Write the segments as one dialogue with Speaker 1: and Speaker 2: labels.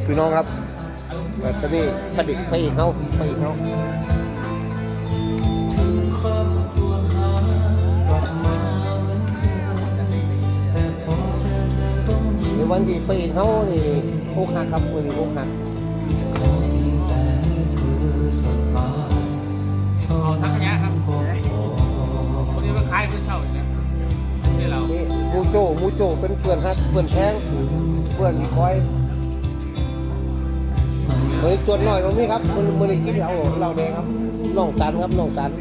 Speaker 1: พี่น้องครับตอนนี้ผลิตไปอีกเขาในวันที่ไปอีกเขานี่อกหักครับมือนี้อกหัก
Speaker 2: เอาทักยะครับคนนี้มันคล้ายผู้เช่าเนี่ยนี่เรา
Speaker 1: มูโจเป็นเพื่อนฮักเพื่อนแท้งเพื่อนที่คอยเฮ้ยจวนหน่อยตรงนี้ครับมือนี้กินเราแดงครับน้องสันครับน้องสัน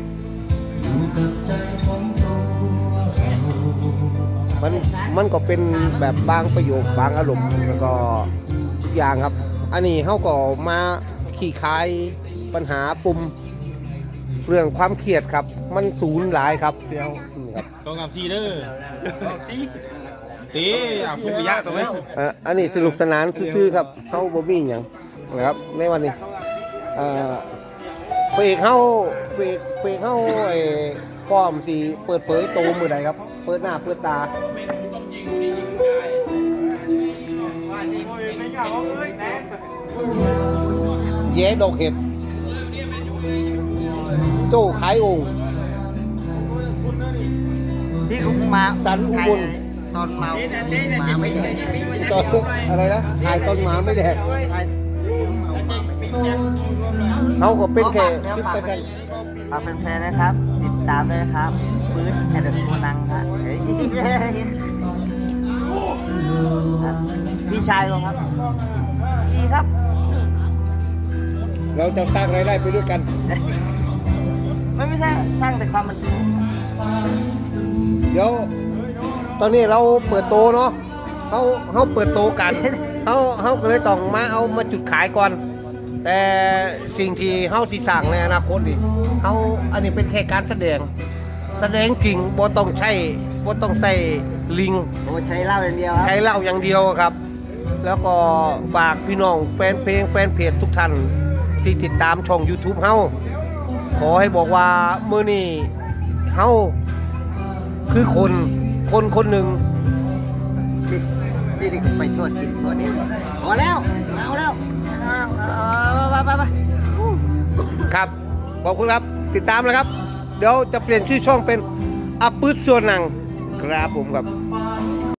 Speaker 1: มันก็เป็นแบบบางประโยคบางอารมณ์แล้วก็ทุกอย่างครับอันนี้เขาก็มาขี่คายปัญหาปุ่มเรื่องความเครียดครับมันสูญหลายครับเซียวครับ
Speaker 3: ต้องงามซีเด้อตีคุณไปยากตัวไหม
Speaker 1: อันนี้สนุกสนานซื่อๆครับเขาบ่มีอย่างนะครับในวันนี้เปกเขาป้อมสีเปิดเผยโตมือใดครับเปิดหน้าเปิดตาแย่ดอกเห็ดโจ้ขายองค์
Speaker 4: ที่คุณมา
Speaker 1: สันอุบล
Speaker 4: ตอนเมาหมาไม่แดก
Speaker 1: ตอนอะไรนะขายต้นหมาไม่แดกเขาก็เป็นแค่คลิปสั้น
Speaker 4: ฝากแฟนๆนะครับติดตามด้วยนะครับปืนแอนด์ซูนังครับพี่ชายผมครับดีครับ
Speaker 1: เราจะสร้างรายได้ไปด้วยกัน
Speaker 4: ไม่ใช่สร้างแต่ความมัน
Speaker 1: เดี๋ยวตอนนี้เราเปิดโตเนาะเขาเปิดโตกันเขาก็เลยต้องมาจุดขายก่อนแต่สิ่งที่เขาสิสั่งในอนาคตนี่อันนี้เป็นแค่การแสดงจริงบ่ต้องใส่ลิง
Speaker 4: ใช้เหล้าอย่างเดียว
Speaker 1: ใช้เหล้าอย่างเดียวครับแล้วก็ฝากพี่น้องแฟนเพลงแฟนเพจทุกท่านที่ติดตามช่อง YouTube เฮาขอให้บอกว่ามื้อนี้เฮาคือคนหนึ่ง
Speaker 4: นี่ไปทั่วกินทั่วนี้พอแล้วเอาแล้วไป
Speaker 1: ครับขอบคุณครับติดตามเลยครับเดี๋ยวจะเปลี่ยนชื่อช่องเป็นอัปปื้ดส่วนหนังครับผมครับ